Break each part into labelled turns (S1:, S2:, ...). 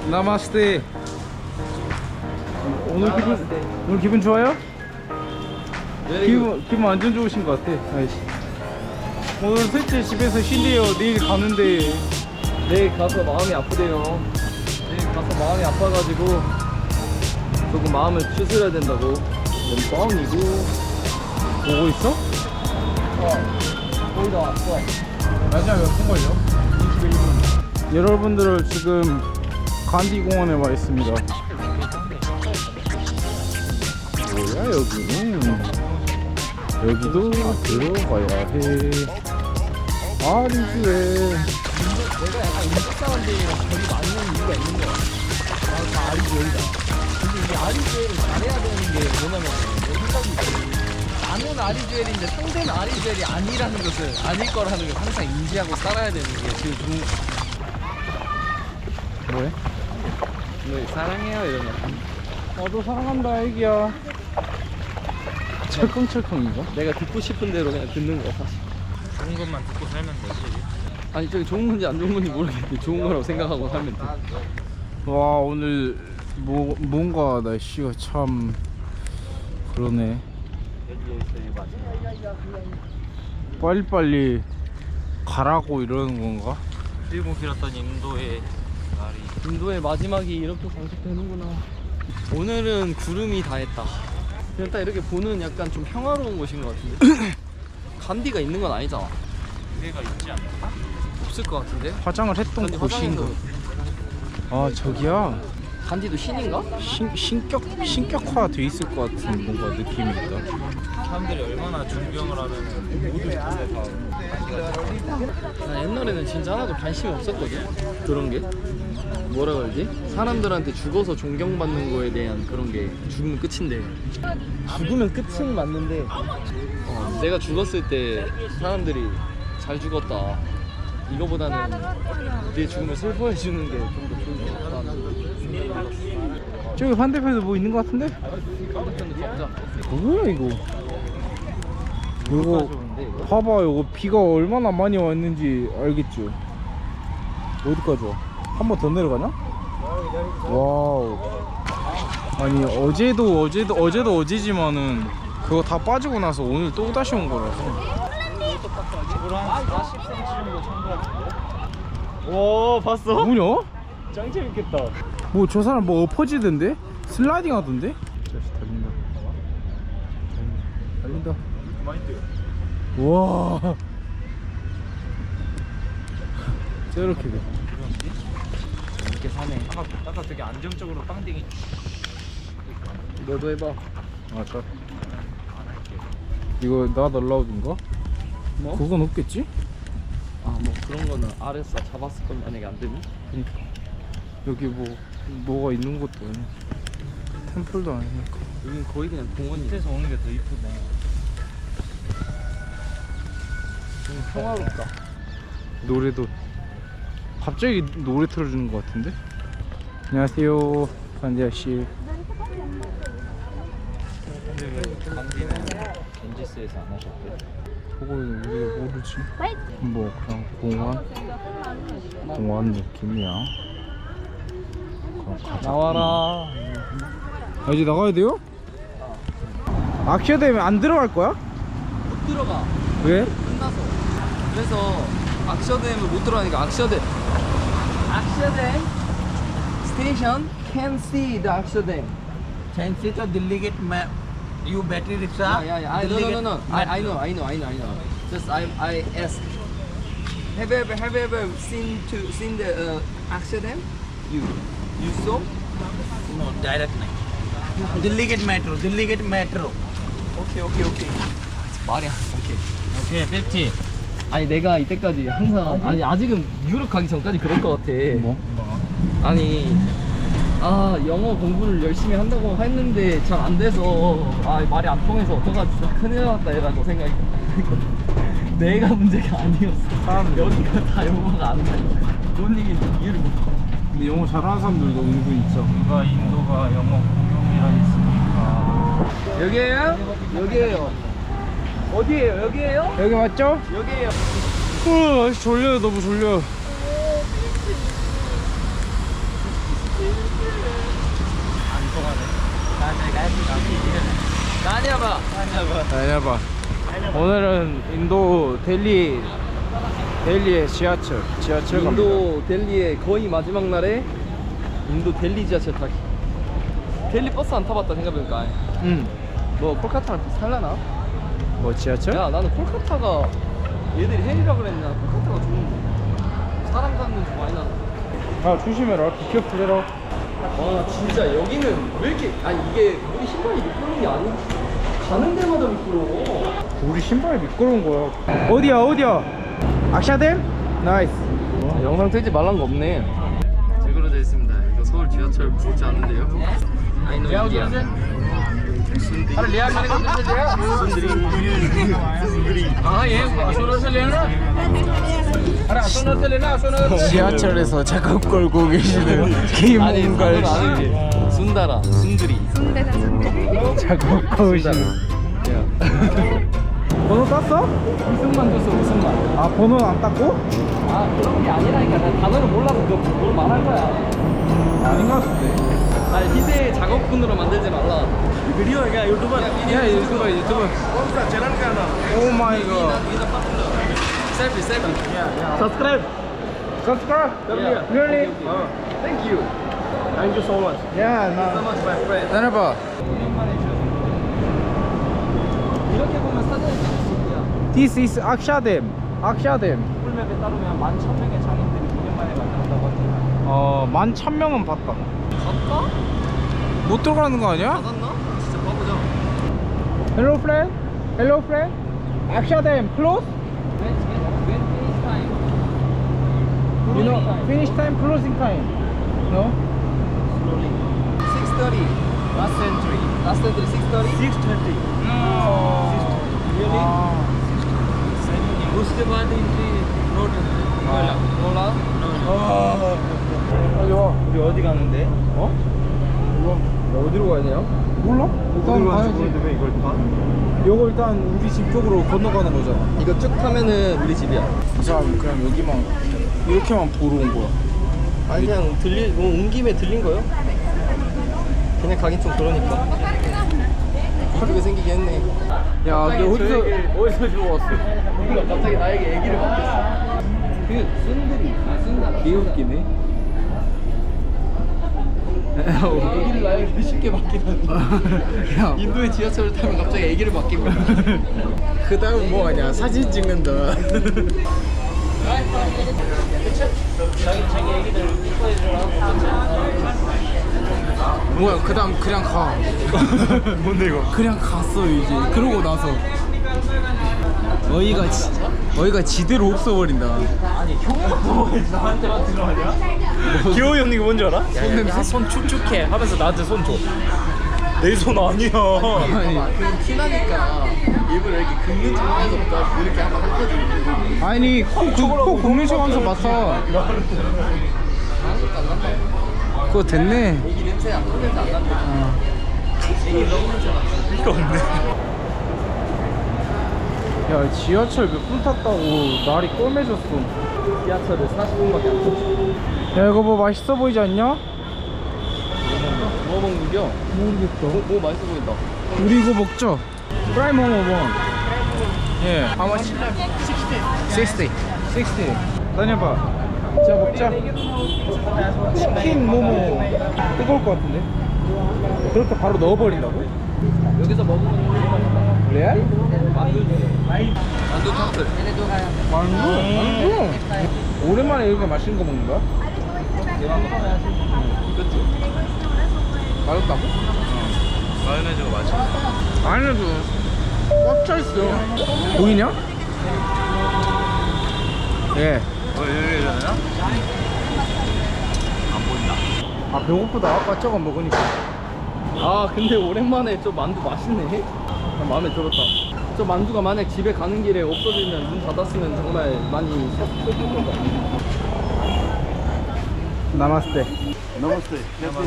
S1: 나마스테. 오늘 기분 좋아요?
S2: 네,
S1: 기분 완전 좋으신 것 같아. 아이씨. 오늘 셋째 집에서 쉰대요. 내일 가는데.
S2: 내일 가서 마음이 아프대요. 내일 가서 마음이 아파가지고 조금 마음을 추스려야 된다고. 뻥이고.
S1: 보고 있어?
S2: 거의 다 왔어.
S1: 마지막 몇 분 걸려? 21분. 여러분들을 지금 간디 공원에 와 있습니다. 뭐야 여기는? 여기도 들어가야 해. 아리즈에.
S2: 내가 약간 인도 사람들이랑 거리 맞는 이유가 있는 거야. 다 아리즈웨이다. 근데 이게 아리즈웨이를 잘해야 되는 게 뭐냐면 내 생각이 있어. 나는 아리즈웰인데 상대는 아리즈웰이 아니라는 것을 아닐 거라는 걸 항상 인지하고 살아야 되는 게 제일 좋은 거.
S1: 뭐해?
S2: 너 사랑해요 이러면.
S1: 나도 사랑한다 애기야. 철컹철컹 이거?
S2: 내가 듣고 싶은 대로 그냥 듣는 거야 사실.
S3: 좋은 것만 듣고 살면 되지.
S2: 아니 저기 좋은 건지 안 좋은 건지 모르겠는데 좋은 거라고 생각하고 살면 돼.
S1: 와 오늘 뭔가 날씨가 참 그러네. 빨리빨리 가라고 이러는 건가?
S3: 길고 길었던 인도의 날이
S2: 인도의 마지막이 이렇게 장식되는구나. 오늘은 구름이 다 했다. 그냥 딱 이렇게 보는 약간 좀 평화로운 곳인 것 같은데. 간디가 있는 건 아니잖아.
S3: 기회가 있지 않을까?
S2: 없을 것 같은데.
S1: 화장을 했던
S2: 간디
S1: 곳인가?
S2: 화장해서.
S1: 아 저기야
S2: 간디도 신인가?
S1: 신격화 돼 있을 것 같은 뭔가 느낌이 있다.
S3: 사람들이 얼마나 존경을 하면 모두
S2: 난 옛날에는 진짜 하나도 관심이 없었거든. 그런 게 뭐라 그러지? 사람들한테 죽어서 존경받는 거에 대한 그런 게 죽으면 끝인데, 죽으면 끝은 맞는데 내가 죽었을 때 사람들이 잘 죽었다 이거보다는 내 죽음을 슬퍼해 주는 게 좀 더 좋은 것 같다는 생각이 들었어.
S1: 저기 반대편에 뭐 있는 것 같은데?
S2: 반대편도 가보자.
S1: 뭐야 이거? 이거
S2: 좋은데 이거?
S1: 봐봐 이거 비가 얼마나 많이 왔는지 알겠죠? 어디까지 와? 한 번 더 내려가나? 와우. 아니 어제도 어제지만은 그거 다 빠지고 나서 오늘 또 다시 온 거라서.
S3: 한 40cm 정도 찬 것 같은데?
S2: 오 봤어?
S1: 뭐냐?
S2: 짱 재밌겠다.
S1: 뭐 저 사람 뭐 엎어지던데? 슬라이딩 하던데? 다시 달린다. 달린다.
S3: 많이 뛰어.
S1: 와. 저렇게 돼.
S2: 재밌게 사네.
S3: 아까 되게 안정적으로 빵댕이
S2: 너도 해봐.
S1: 아, 저. 이거 not allowed인가?
S2: 뭐?
S1: 그건 없겠지?
S2: 아 뭐 그런 거는 RS 잡았을 건 만약에 안 되면?
S1: 그러니까 여기 뭐가 있는 것도 아니야. 템플도 아니니까.
S2: 여긴 거의 그냥 공원이야.
S3: 밑에서 오는 게 더 이쁘네.
S2: 좀 평화롭다.
S1: 노래도 갑자기 노래 틀어주는 것 같은데? 안녕하세요, 반지아 씨.
S3: 근데 왜 강진은 겐지스에서 안 하셨대?
S1: 그거는 우리가 모르지. 뭐 그냥 공원 느낌이야. 그럼 가자.
S2: 나와라.
S1: 아, 이제 나가야 돼요? 아키아 되면 안 들어갈 거야?
S2: 못 들어가.
S1: 왜?
S2: 끝나서. 그래서 악셔댐을 못 들어가니까 악셔댐 스테이션 can see the 악셔댐.
S4: Fancy to Delhi gate map. You battery rickshaw.
S2: Yeah. No. I know. Just I ask. Have you ever seen the Akshadam? You saw?
S4: No, direct nahi. Delhi gate metro. Delhi gate metro.
S2: Okay. 말이 안 오케이.
S3: 오케이 50.
S2: 아니 내가 이때까지 항상 아니 아직은 유럽 가기 전까지 그럴 것 같아.
S1: 뭐?
S2: 아니 영어 공부를 열심히 한다고 했는데 잘 안 돼서 말이 안 통해서 어떡하지 진짜 큰일 났다 이라고 생각이 들거든. 내가 문제가 아니었어. 여기가 다 영어가 안 나니까 뭔 얘기인지 이해를 못해.
S1: 근데 영어 잘하는 사람들도 은근 있어.
S3: 누가 인도가 영어 공용이라 했으니까.
S2: 여기에요. 어디에요? 여기에요?
S1: 여기 맞죠?
S2: 여기에요.
S1: 졸려요. 너무 졸려. 다녀봐. 오늘은 인도 델리의 지하철 갑니다.
S2: 인도 델리의 거의 마지막 날에 인도 델리 지하철 타기. 델리 버스 안 타봤다 생각해보니까. 너 콜카타랑 비슷하려나?
S1: 뭐 지하철?
S2: 야 나는 콜카타가 얘들이 헬이라 그랬나? 콜카타가 좋은데 사람 가는 좀 많이 나는.
S1: 아 조심해라. 비켜프레라.
S2: 와 진짜 여기는 왜 이렇게 아니 이게 우리 신발이 미끄러운 게 아니지 가는 데마다 미끄러워.
S1: 우리 신발이 미끄러운 거야. 어디야? 악샤댐? 나이스.
S2: 영상 뜨지 말란 거 없네. 지그러 돼 있습니다. 이거 서울 지하철 무섭지 않은데요. 아이노 인디안. 순들이. 아 예.
S1: 지하철에서 작업 걸고 계시는 김홍갈 씨.
S2: 순다라 순들이.
S1: 작업 거우시는. 번호 땄어?
S2: 무슨만 줬어 무슨만.
S1: 아 번호는 안 땄고?
S2: 아 그런 게 아니라니까. 난 단어를 몰라서 뭘 말할 거야.
S1: 아닌 것 같은데.
S2: 아니 희대 작업군으로 만들지 말라.
S4: Video है क्या यूट्यूबर
S1: 야 유튜버
S4: कौन सा चैनल का नाम
S1: 오 마이 갓.
S2: 셀피.
S4: Subscribe
S1: Subscribe.
S2: Yeah.
S1: Really?
S2: Thank you.
S4: Thank you so much
S1: 야
S2: So
S1: 나.
S2: much my friend.
S1: 기다려봐.
S2: 이렇게 보면 사진이 찍었어.
S1: This is 악샤댐.
S2: 풀맵에 따르면 11,000명의 장인들이 9년 만에 만들었다고 하지.
S1: 11,000명은 봤다.
S2: 갔다?
S1: 못 들어가는 거 아니야?
S2: 받았나? 진짜 바보죠.
S1: Hello friend. 악샤댐 close.
S2: When finish time?
S1: You know finish time, closing time. No?
S2: Slowly. 6:30. Last entry 6:30.
S4: 6:30
S2: Really?
S4: उसके बाद entry note
S2: 몰라?
S1: 빨리 와.
S4: 우리 어디 가는데?
S1: 어?
S2: 어디로 가야 돼요?
S1: 몰라? 일단 가야지.
S4: 왜 이걸 봐?
S1: 요거 일단 우리 집 쪽으로 건너가는 거잖아.
S2: 이거 쭉 타면은 우리 집이야.
S1: 이 사람 그냥 여기만 이렇게만 보러 온 거야.
S2: 아니 그냥 온 김에 들린 거요? 그냥 가긴 좀 그러니까. 이쁘게 생기게 했네.
S1: 야, 너 어디서 주워 왔어?
S2: 몰라 갑자기 나에게 얘기를 맡겼어. 그 순들이 순다라.
S1: 개웃기네.
S2: 얘기를 나에게 쉽게 맡기다니.
S1: 야,
S2: 인도의 지하철을 타면 갑자기 얘기를 맡기고.
S1: 그 다음 뭐 하냐? 사진 찍는다.
S2: 자기 얘기들 이뻐해주라.
S1: 뭐야? 그 다음 그냥 가.
S4: 뭔데 이거?
S1: 그냥 갔어 이제. 그러고 나서 어이가 지대로 없어버린다.
S2: 아니 형부터 나한테만 들어가냐?
S4: 기호이 형님 이거 뭔지 알아?
S1: 손 냄새?
S4: 손 축축해 하면서 나한테 손 줘. 내 손 아니야.
S1: 아니,
S2: 그럼 티나니까 일부러 이렇게 긁는 척하면서 이렇게 한번 했거든.
S1: 아니 코 굽는 척 하면서 맡아.
S2: 아무것도 안 난다.
S1: 그거 됐네.
S2: 애기 냄새 안 냄새 안 난다. 애기 너무 냄새 나.
S4: 이거 없네.
S1: 야 지하철 몇 분 탔다고 날이 꿰매졌어.
S2: 지하철을 40분밖에 안 탔지.
S1: 야 이거 뭐 맛있어 보이지 않냐?
S2: 뭐 먹는겨?
S1: 모르겠다.
S2: 뭐 맛있어 보인다.
S1: 우리 이거 먹자. 프라이 모모 원. 예. How much? 60. 다녀봐. 자 먹자. 치킨 모모. 뜨거울 것 같은데? 그렇게 바로 넣어버린다고?
S2: 여기서 먹으면
S1: 레알?
S2: 만두 탕들.
S1: 만두? 오랜만에 이렇게 맛있는 거 먹는 거야?
S2: 그치?
S1: 맛없다고?
S4: 마요네즈가 맛있어.
S1: 아니도 꽉 차있어. 보이냐? 예.
S4: 여기 되나? 안 보인다.
S1: 아 배고프다. 아까 저거 먹으니까.
S2: 아 근데 오랜만에 저 만두 맛있네. 마음에 들었다. 저 만두가 만약 집에 가는 길에 없어지면 문 닫았으면 정말 많이 슬플 것 같아.
S1: 나마스테.
S4: नमस्ते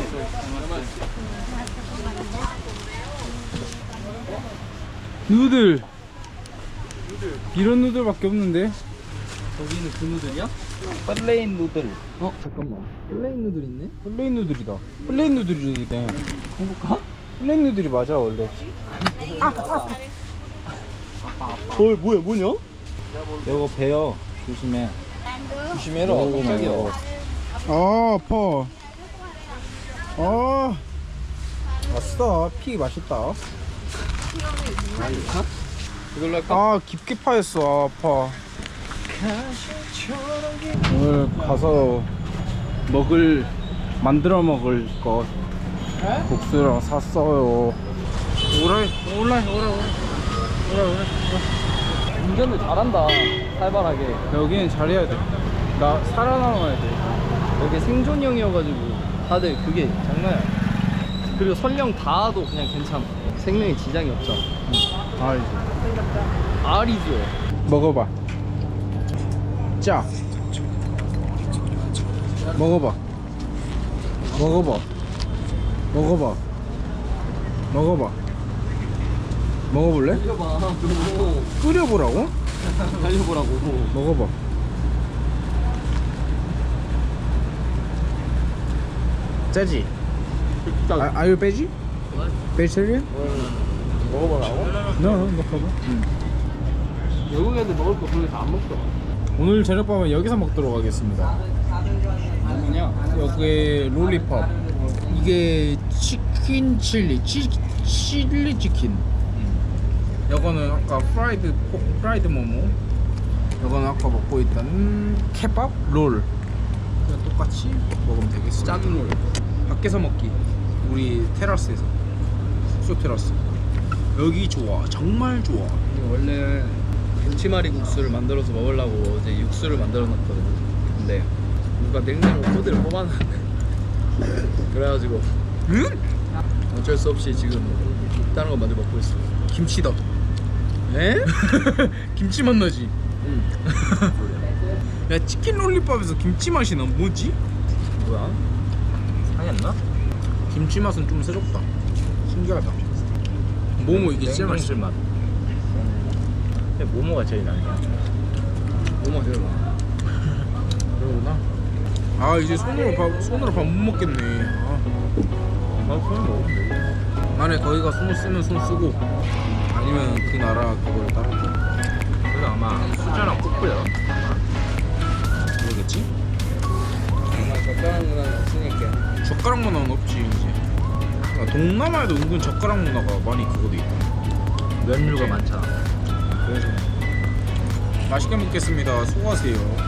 S1: 누들. 이런 누들밖에 없는데?
S2: 저기는 그 누들이야?
S1: 플레인 누들.
S2: 어 잠깐만. 플레인 누들 있네?
S1: 플레인 누들이다. 플레인 누들이네.
S2: 해볼까?
S1: 플레인 누들이 맞아 원래.
S2: 뭐냐?
S3: 이거 배요. 조심해.
S2: 조심해라.
S3: 먹어보면
S2: 깜짝이야.
S3: 먹어.
S1: 아 아파. 아 맛있다. 피 맛있다.
S2: 이걸로 할까?
S1: 아 깊게 파였어. 아, 아파. 오늘 가서 만들어 먹을 것 국수랑 샀어요. 오라.
S2: 운전을 잘한다. 살벌하게.
S1: 여기는 잘해야 돼. 나 살아남아야 돼.
S2: 여기 생존형이어가지고 다들 그게 장난이야. 그리고 설령 닿아도 그냥 괜찮아. 생명에 지장이 없잖아.
S1: 알지.
S2: 알이죠.
S1: 먹어봐. 짜. 먹어봐. 먹어봐. 먹어볼래?
S2: 끓여봐. 너
S1: 끓여보라고?
S2: 달려보라고.
S1: 먹어봐. 짜지?
S2: 일단
S1: Are you veggie? Vegetarian?
S2: 먹어보라고?
S1: No, no problem.
S2: 외국 애들 먹을 거 그렇게 다 안 먹더라.
S1: 오늘 저녁밥은 여기서 먹도록 하겠습니다.
S2: 뭐냐?
S1: 여기 롤리팝. 이게 치킨 칠리, 칠리 치킨. 이거는 아까 프라이드 모모. 이거는 아까 먹고 있던 케밥 롤. 그냥 똑같이 먹으면 되겠습니다.
S2: 짠 롤.
S1: 밖에서 먹기. 우리 테라스에서. 숙소 테라스. 여기 좋아. 정말 좋아.
S2: 원래 김치말이 국수를 만들어서 먹으려고 어제 육수를 만들어 놨거든. 근데 누가 냉장고 코드를 뽑아놨네. 그래가지고
S1: 응?
S2: 어쩔 수 없이 지금 다른 거 만들어 먹고 있어.
S1: 김치다.
S2: 에?
S1: 김치 맛 나지?
S2: 응.
S1: 야 치킨 롤리팝에서 김치 맛이 나 뭐지?
S2: 뭐야?
S3: 상했나?
S1: 김치 맛은 좀 새롭다. 신기하다. 모모 이게 진짜 맛있어.
S3: 맛. 근데 모모가 제일 나냐?
S2: 너무 맛있어.
S1: 그러구나. 아 이제 손으로 밥 못 먹겠네. 아.
S3: 손을 먹으면 돼.
S1: 만약에 거기가 손을 쓰면 손 쓰고 아니면 그 나라 그걸 따라
S3: 그래서 아마 수저랑 꼭 뿌려.
S1: 그러겠지?
S2: 정말 적당한 문화는 없으니까.
S1: 젓가락 문화는 없지 이제. 그러니까 동남아에도 은근 젓가락 문화가 많이 그거 돼 있다.
S3: 면류가 많잖아.
S1: 그래서 맛있게 먹겠습니다. 수고하세요.